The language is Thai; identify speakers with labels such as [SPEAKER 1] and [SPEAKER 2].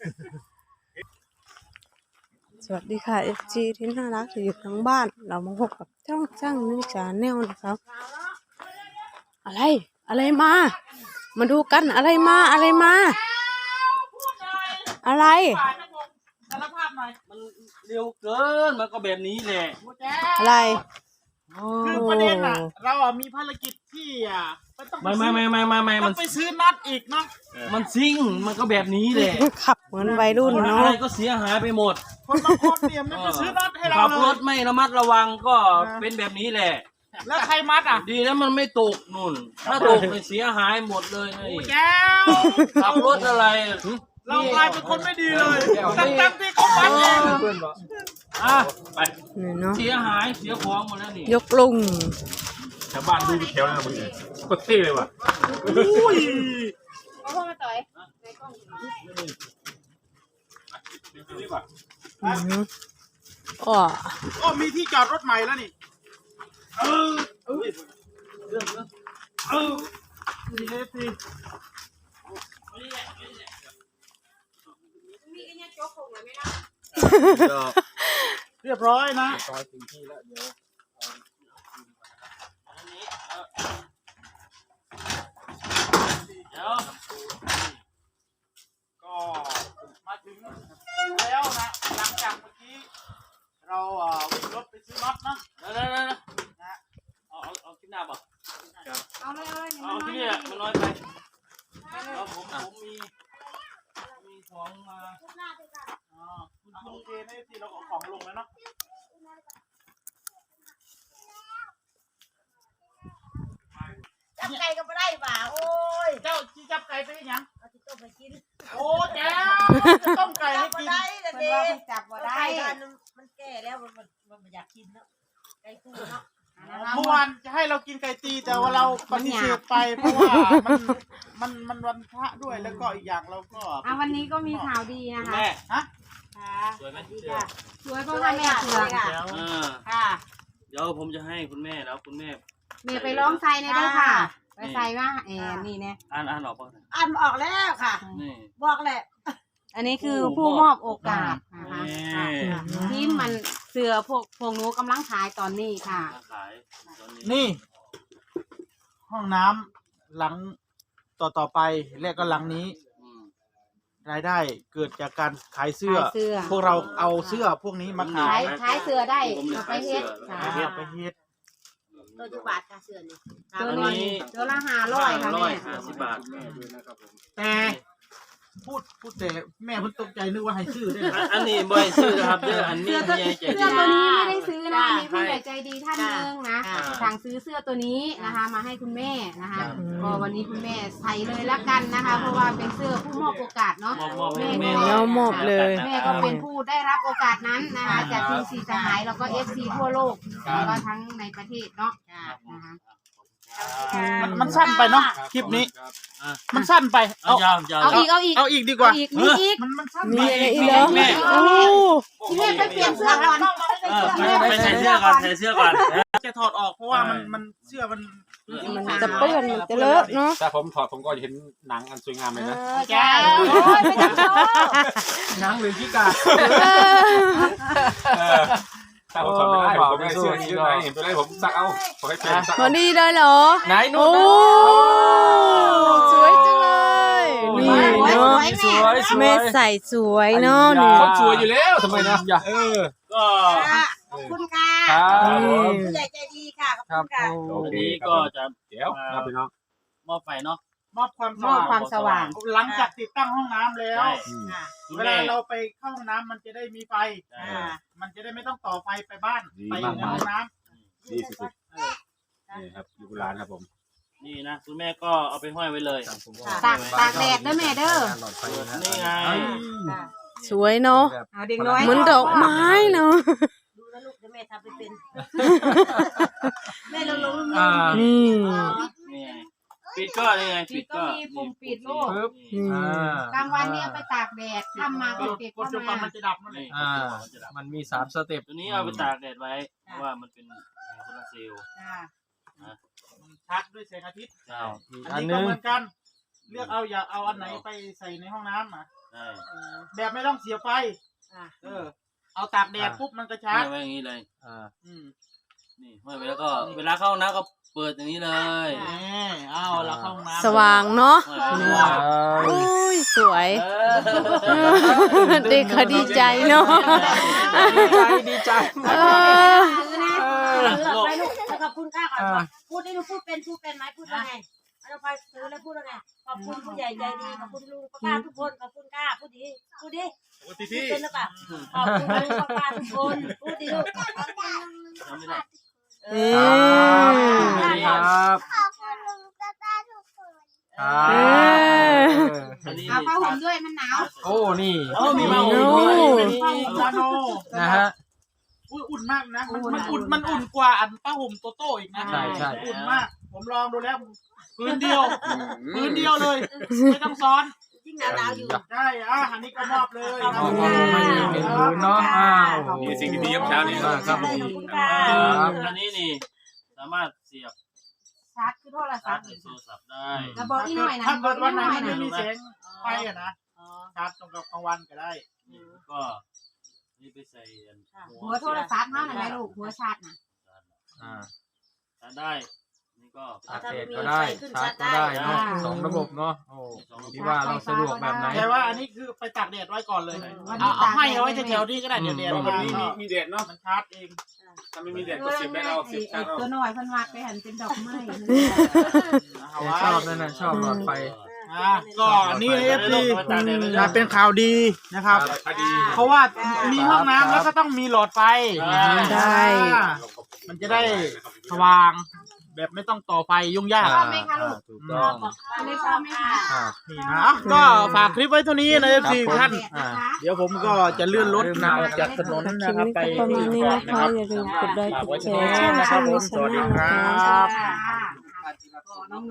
[SPEAKER 1] สวัสดีค่ะ FG ที่น่ารักที่อยู่ทั้งบ้านเรามาพบกับช่างนิชาแนลนะครับอะไรมาดูกันอะไรมาอะไร
[SPEAKER 2] สารภาพหน่อยมันเร็วเกินมันก็แบบนี้แหละ
[SPEAKER 1] อะไร
[SPEAKER 2] คือประเด็นอ่ะเราอ่ะมีภารกิจที่ต้องไปซื้อน็อตอีกเนาะมันซิ่งมันก็แบบนี้แหละ
[SPEAKER 1] ขับเหมือนวัยรุ่นเนาะ
[SPEAKER 2] อะไรก็เสียหายไปหมดคนบางคนเนี่ยมันจะซื้อน็อตให้เราขับรถไม่ระมัดระวังก็เป็นแบบนี้แหละแล้วใครมัดอ่ะดีแล้วมันไม่ตกนุ่นถ้าตกมันเสียหายหมดเลยแก้วขับรถอะไรเรากลายเป็นคนไม่ดีเลยตั้งที่เขามัดเองไปเสียหายเสียของหมดแล้วนี่
[SPEAKER 1] ยกลุง
[SPEAKER 3] ชาวบ้านดูแถวนั้นมึงก็เท่เลยว่ะ
[SPEAKER 2] อุ้ย
[SPEAKER 4] เอาพ่อมาต่อยในกล้อง
[SPEAKER 2] ก็มีที่จอดรถใหม่แล้วนี่ดีเลยสิ
[SPEAKER 4] มีไอ้เนี่ยโจ๊กผงเลยไหมนะ
[SPEAKER 2] เรียบร้อยนะ
[SPEAKER 3] ซอยถึงที่แล้วเดี๋ยว
[SPEAKER 2] ก็มาถึงแล้วนะหลังจากเมื่อกี้เราวิ่งรถไปซื้อน็อตนะนะเอาขึ้นหน้าป่ะ
[SPEAKER 4] เอาเลย
[SPEAKER 2] เอาที่นี่มันน้อยไปผมมีของมาคุณโอเคในที่เราเอาของลงแล้วเนาะ
[SPEAKER 4] จับไก่ก็ไม่ได้ป่าโอ้ย
[SPEAKER 2] เจ้าที่จับไก่ไปยัง
[SPEAKER 4] เอาที่ต้มไปกิน
[SPEAKER 2] โอ้แจ้วจะต้มไก่ให้กิน
[SPEAKER 4] มันว่ามันจับว่าได้มันแก่แล้วมันอยากกินแล้วไก่ตู้เนาะ
[SPEAKER 2] เมื่อวานจะให้เรากินไก่ตีแต่ว่าเราปฏิเสธไปเพราะว่ามันวันพระด้วยแล้วก็อีกอย่างเราก็
[SPEAKER 4] วันนี้ก็มีข่าวดีนะคะ
[SPEAKER 2] แม่ฮะ
[SPEAKER 4] สวยไหมสวยเพราะว่าแม่สวยค่ะ
[SPEAKER 2] เดี๋ยวผมจะให้คุณแม่แล้วคุณแม่
[SPEAKER 4] ไปร้องไซในด้วยค่ะไปไซว่านี่เนี่ย
[SPEAKER 2] อ่านออกป่ะ
[SPEAKER 4] อ่านออกแล้วค่ะบอกแหละอันนี้คือผู้มอบโอกาสนะคะที่มันเสือพวกหนูกำลังขายตอนนี้ค่ะ
[SPEAKER 2] นี่ห้องน้ำหลังต่อไปและก็หลังนี้รายได้เกิดจากการขายเสื้อพวกเราเอาเสื้อพวกนี้มาข
[SPEAKER 4] ายเสื้อได้ไปเฮ็ด
[SPEAKER 2] ไปเฮ็ด
[SPEAKER 4] ตัวจุบาทค่ะเสื้อนี่ตัวนี้ตัวละ500ค่ะแม่
[SPEAKER 2] 50 บาทแต่พูดแต่แม่เพิ่งตกใจนึกว่าให้ซื้อได้อันนี้บ่ให้ซื้อครับเด้ออันนี้
[SPEAKER 4] เสื้อตัวนี้ไม่ได้ซื้อนะมีผู้ใหญ่ใจดีท่านนึงนะสั่งซื้อเสื้อตัวนี้นะคะมาให้คุณแม่นะคะก็วันนี้คุณแม่ใส่เลยละกันนะคะเพราะว่าเป็นเสื้อผู้มอบโอกาสเนาะ
[SPEAKER 1] แม่มอบเลย
[SPEAKER 4] แม่ก็เป็นผู้ได้รับโอกาสนั้นนะคะจากทีมสีสหายแล้วก็ FC ทั่วโลกแล้วก็ทั้งในประเทศเนาะนะคะ
[SPEAKER 2] มันสั้นไปเนาะคลิปนี้มันสั้นไปเอาอีกดีกว่า
[SPEAKER 4] มีอีก
[SPEAKER 2] มันสั้น
[SPEAKER 1] มีอะไรอีกเหรอ
[SPEAKER 4] แม่ไปเปลี่ยนเสื้อก่อน
[SPEAKER 2] ไปใส่เสื้อก่อนจะถอดออกเพราะว่ามันเสื้อมัน
[SPEAKER 1] จะเปื้อนมันจะเลอะเนาะ
[SPEAKER 3] ถ้าผมถอดผมก็จะเห็นหนังอันสวยงามเลยนะ
[SPEAKER 4] ใช่ไม่ต้องโชว์
[SPEAKER 3] หนังหรือขี้กาถ้าผมถอดไม่ได้ผมไม่เสื้อนี้เลยเห็นตัวแรกผมซักเอาผมให้เป็นซัก
[SPEAKER 1] พอดีเลยเหรอ
[SPEAKER 3] ไหนนู่น
[SPEAKER 1] สวยจังเลยนี่เนาะแม่ใส่สวยเนาะนี่
[SPEAKER 3] คนสวยอยู่แล้วทำไมนะ
[SPEAKER 2] ก็
[SPEAKER 4] ขอบคุณค่ะผู้ใหญ่ใจดีค่ะขอบคุณค่ะ
[SPEAKER 2] วันนี้ก็จะ
[SPEAKER 3] เดี๋ยวครับพี่น้อง
[SPEAKER 2] มอบไฟเนาะมอบความ
[SPEAKER 4] สว่าง
[SPEAKER 2] หลังจากติดตั้งห้องน้ำแล้วเวลาเราไปเข้าห้องน้ำมันจะได้มีไฟมันจะได้ไม่ต้องต่อไฟไปบ้านไปในห้องน้ำ
[SPEAKER 3] ดีสุดๆนี่ครับอยู่ร้านครับผม
[SPEAKER 2] นี่นะคุณแม่ก็เอาไปห้อยไว้เลย
[SPEAKER 4] ตากแดดเด้อแม่เด้อ
[SPEAKER 2] นี่ไง
[SPEAKER 1] สวยเนาะเหมือนดอกไม้เนาะ
[SPEAKER 4] ดูแลลูกเดี๋ยวแม่ทำไปเป็นแม่ลง
[SPEAKER 1] นี่
[SPEAKER 2] ปิดก็นี่ไง
[SPEAKER 4] ปิดก็มีปุ่มปิดลูกกลางวันนี้เอาไปตากแดดค่ำมาก็เก็บเข้ามา
[SPEAKER 2] มันจะดับนั่นเอง
[SPEAKER 3] มันมี3 สเต็ป
[SPEAKER 2] ตัวนี้เอาไปตากแดดไว้เพราะว่ามันเป็นโซลาร์เซลล์ชาร์จด้วยแสงอาทิตย์อันนี้ก็เหมือนกันเลือกเอาอย่าเอาอันไหนไปใส่ในห้องน้ำ
[SPEAKER 5] แบบไม่ต้องเสียบไฟเอาตากแดดปุ๊บมันก็ชาร์จ
[SPEAKER 2] ไว้อย่างนี้เลย นี่ห้อยไปแล้วก็
[SPEAKER 5] นี่
[SPEAKER 2] เวลาเข้าน้ำก็เปิดอย่างนี้เลย
[SPEAKER 5] เอาเราเข้าห้องน้ำ
[SPEAKER 1] สว่างเนาะ
[SPEAKER 2] ว้าว
[SPEAKER 1] โอ้ยสวยเด็กเขาดีใจเนาะ
[SPEAKER 5] ดีใจ
[SPEAKER 1] เออ
[SPEAKER 6] ไปลูกขอบคุณค่าก่อนพูดได้ลูกพูดเป็นไหมพูดว่าไงเราไปซื้อแล้วพูดว่าไงขอบคุณผู้ใหญ่ใจดีขอบคุณลุงป้าทุกคนขอบคุณค่าพูดดีพูดเป็นหรือเปล่าขอบคุณลุงป้าทุกคนพูดดีลูก
[SPEAKER 2] จำไม่ได้
[SPEAKER 5] ครับ
[SPEAKER 2] อันนี้
[SPEAKER 4] เอาผ้าห่มด้วยมันหนาว
[SPEAKER 5] โอ้นี่
[SPEAKER 2] มีมา
[SPEAKER 5] โอ้
[SPEAKER 2] ลาโน
[SPEAKER 5] นะฮะอุ่นมากนะมันอุ่นกว่าอันป้าห่มโตโต้อีกนะใช่อุ่นมากผมลองดูแล้วพื้นเดียวเลยไม่ต้องซ้อน
[SPEAKER 6] ยิ่งหนาวอยู่
[SPEAKER 5] ได้อันนี้ก็มอบเลย
[SPEAKER 6] ขอบคุณค่ะ
[SPEAKER 5] เนาะ
[SPEAKER 3] มีสิ่งดีๆครับเช้านี้
[SPEAKER 5] ครับผม
[SPEAKER 6] ขอบคุณค่ะ
[SPEAKER 2] อันนี้นี่สามารถเสียบ
[SPEAKER 4] ชาร์จคือโทรศั
[SPEAKER 2] ชา
[SPEAKER 4] พ
[SPEAKER 2] ร์จ
[SPEAKER 4] ท์
[SPEAKER 2] ในโทรศัพท์ได้
[SPEAKER 4] แล้วบอกอีกหน่อยนะ
[SPEAKER 5] ถ้า
[SPEAKER 4] บ
[SPEAKER 5] เกิ
[SPEAKER 4] อก
[SPEAKER 5] ด
[SPEAKER 4] อี
[SPEAKER 5] วัน
[SPEAKER 4] ก
[SPEAKER 5] ไห
[SPEAKER 4] ห
[SPEAKER 5] น
[SPEAKER 4] น่อย
[SPEAKER 5] มัน
[SPEAKER 4] นะ
[SPEAKER 5] ไม่มีแสงไฟนะชาร์จตรงกับกลางวันก็ได้
[SPEAKER 2] ก็นี่ไปใส่
[SPEAKER 4] หัวโทรศัพท์เท่านั้นแหละลูกหัวชาร์จนะ
[SPEAKER 2] ชาร์จได้นี่ก็
[SPEAKER 6] ถ้าไม่มีไฟขึ้นชัดได้
[SPEAKER 5] สองระบบเนาะที่ว่าเราสะดวกแบบไหนแต่ว่าอันนี้คือไปตากแดดไว้ก่อนเลยเอาให้เอาไว้แถวๆนี้ก็ได้เดี๋ยวแดด
[SPEAKER 3] วันนี้มีแดดเนาะ
[SPEAKER 5] มันชาร์จเอง
[SPEAKER 3] ถ้าไม่มีแดดก็เสียบแบตเอาเสียบชาร์จเอา
[SPEAKER 4] ตัวหน่อยพันวัดไปหันเป็นดอกไม้
[SPEAKER 5] ชอบนั่นน่ะชอบหลอดไฟก็นี่เอฟซีเป็นข่าวดีนะครับ เพราะว่ามีห้องน้ำแล้วก็ต้องมีหลอดไฟ
[SPEAKER 1] ได้
[SPEAKER 5] มันจะได้สว่างแบบไม่ต้องต่อไฟยุ่งยาก
[SPEAKER 4] ชอบไหมคะลูก
[SPEAKER 5] ถูกต้อง
[SPEAKER 4] ไม่ชอบไหมคะ
[SPEAKER 5] นี่นะก็ฝากคลิปไว้เท่านี้นะเอฟซีท่าน
[SPEAKER 4] นะคะ
[SPEAKER 5] เดี๋ยวผมก็จะเลื่อนรถออกจากถนน
[SPEAKER 1] คลิ
[SPEAKER 5] นะ
[SPEAKER 1] ป
[SPEAKER 5] ครับ
[SPEAKER 1] นี้
[SPEAKER 5] ไป
[SPEAKER 1] ก็ประมาณนี้นะคะ อย่าลืมกดไลค์กดแชร์ช่อง
[SPEAKER 5] นะครับผม
[SPEAKER 1] ชาแนลนะคะ
[SPEAKER 5] ครับ
[SPEAKER 4] น้อง